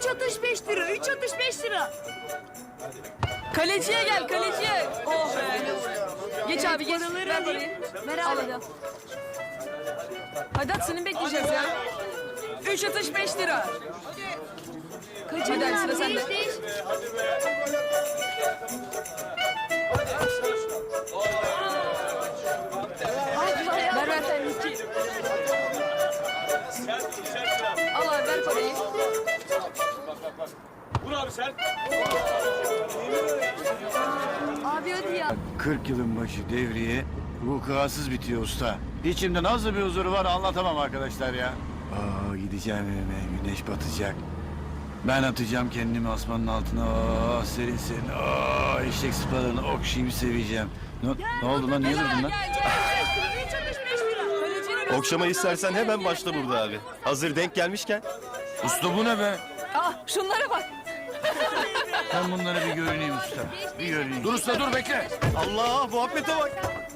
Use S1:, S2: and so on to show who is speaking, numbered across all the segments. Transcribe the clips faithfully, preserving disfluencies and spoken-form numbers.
S1: Üç atış beş lira. Üç atış beş lira.
S2: Kaleciye gel kaleciye. Oh be. Geç abi geç.
S1: paraları
S2: Ver
S1: alayım.
S2: parayı.
S1: Ver
S2: Al
S1: abi.
S2: hadi al. Hadi at seni bekleyeceğiz ya. Üç atış beş lira.
S1: Kaçırdın
S2: Hadi
S1: abi.
S2: sıra sende.
S1: Değiş değiş.
S2: Ver ver sen iki. Al abi ver parayı.
S3: Vur abi sen.
S1: Abi hadi ya.
S4: kırk yılın başı devriye vukuatsız bitiyor usta. İçimde nasıl bir huzur var anlatamam arkadaşlar ya. Aa, gideceğim evime, güneş batacak. Ben atacağım kendimi asmanın altına. Aa, serin serin. Aa, eşek sıpalarını okşayıp seveceğim. Ne, ne oldu lan? Niye
S2: Gel
S4: durdun
S2: gel
S4: lan?
S2: gel.
S1: Üç atış beş lira.
S2: Kalecinin üstüne
S5: Okşama
S2: bak.
S5: istersen hemen başla burada abi. Hazır denk gelmişken.
S4: Usta bu ne be?
S2: Ah şunlara bak.
S4: Ben bunlara bir görüneyim usta. Bir görüneyim. Dur usta dur bekle.
S5: Allah muhabbete bak.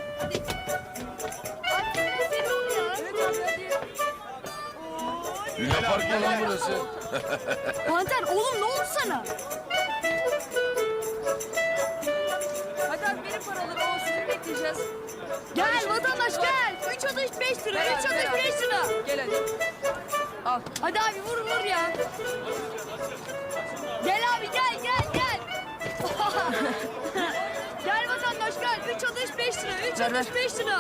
S4: Luna Park mı lan burası?
S1: Panter oğlum ne oldu sana?
S2: Hadi abi verin paraları. O sizi bekleyeceğiz.
S1: Gel vatandaş gel. Üç atış beş lira.
S2: Ver
S1: Üç
S2: abi, ver
S1: atış
S2: abi.
S1: beş lira.
S2: Gel hadi. Al.
S1: Hadi abi vur vur ya. Gel abi gel gel gel. Gel vatandaş gel. Üç atış beş lira. Üç
S2: Ver,
S1: atış
S2: ver.
S1: beş lira.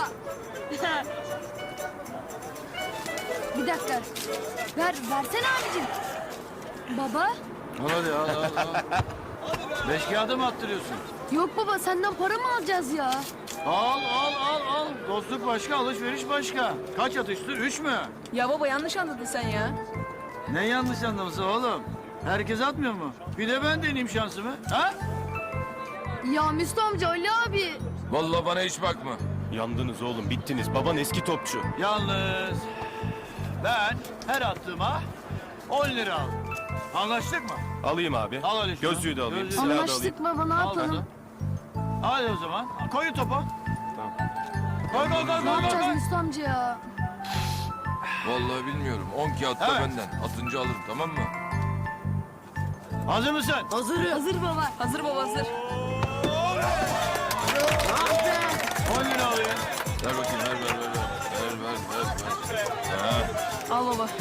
S1: Bir dakika. Ver, versene abicim. Baba.
S4: Al hadi al al al. Beş kağıda mı attırıyorsun?
S1: Yok baba senden para mı alacağız ya?
S4: Al al al al. Dostluk başka, alışveriş başka. Kaç atıştı? Üç mü?
S2: Ya baba yanlış anladın sen ya.
S4: Ne yanlış anlaması oğlum? Herkes atmıyor mu? Bir de ben deneyeyim şansımı. Ha?
S1: Ya Müslü amca Ali abi.
S6: Vallahi bana hiç bakma.
S5: Yandınız oğlum bittiniz. Baban eski topçu.
S4: Yalnız ben her attığıma on lira aldım. Anlaştık mı?
S5: Alayım abi.
S4: Al öyle şunu.
S5: Gözlüğü de alayım.
S4: Gözlüğü.
S5: Silahı da alayım.
S1: Anlaştık baba ne
S4: Al
S1: yapalım?
S4: bakalım. Hadi o zaman. Koyun topu. Koy koy koy
S1: Ne
S4: koy koy.
S1: yapacağız
S4: koy.
S1: Müslü amca ya?
S6: Vallahi bilmiyorum. On kağıt da
S4: Evet.
S6: benden. Atınca alırım tamam mı?
S4: Hazır mısın?
S1: Hazır. Hazır baba.
S2: Hazır baba hazır.
S4: on lira alayım.
S6: Ver bakayım ver ver ver. Ver ver ver ver. Ha.
S2: Al baba.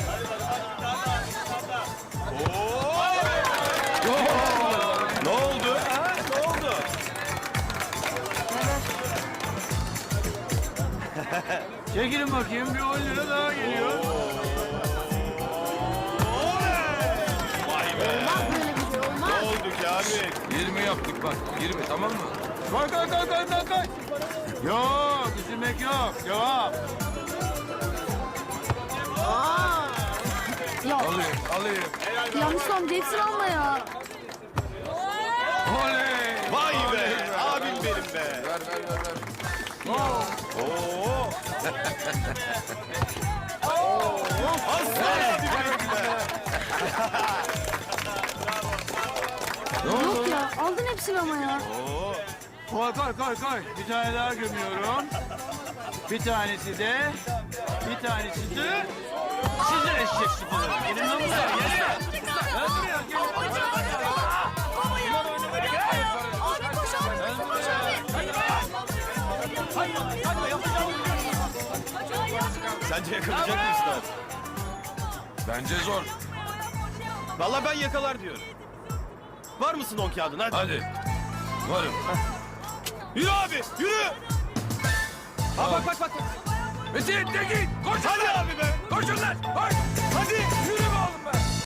S5: Ne oldu? Ha? Ne oldu?
S4: Çekilin bakayım bir on lira daha geliyor.
S5: Vay be.
S1: Böyle bir şey olmaz.
S5: Ne oldu Kamil?
S6: Yirmi yaptık bak. Yirmi tamam mı?
S4: Koy koy koy koy koy koy. Yok üzülmek yok. Devam.
S1: Ya,
S6: Alayım alayım.
S1: ya Müslü amca hepsini alma ya.
S4: Oley.
S5: Vay be. Abim benim be.
S6: Ver ver ver ver.
S5: Oo. Aslan abi benim be.
S1: Yok ya aldın hepsini ama ya.
S4: Koy koy koy koy. Bir tane daha gömüyorum. Bir tanesi de, bir tanesi de sizin eşek sıfaları. Gelin lan buraya. Gelin. Gel buraya. Gel.
S1: Baba ya. Abi koş abi. Koş abi.
S5: Sence yakalayacak mıyız lan?
S6: Bence zor.
S5: Vallahi ben yakalar diyorum. Var mısın on kağıdın hadi.
S6: Hadi. Varım.
S5: Yürü abi yürü. Ha bak bak bak.
S6: Metin Tekin koş.
S5: Hadi abi be.
S6: Koşun lan. Koş.
S5: Hadi.
S6: Yürü be oğlum be.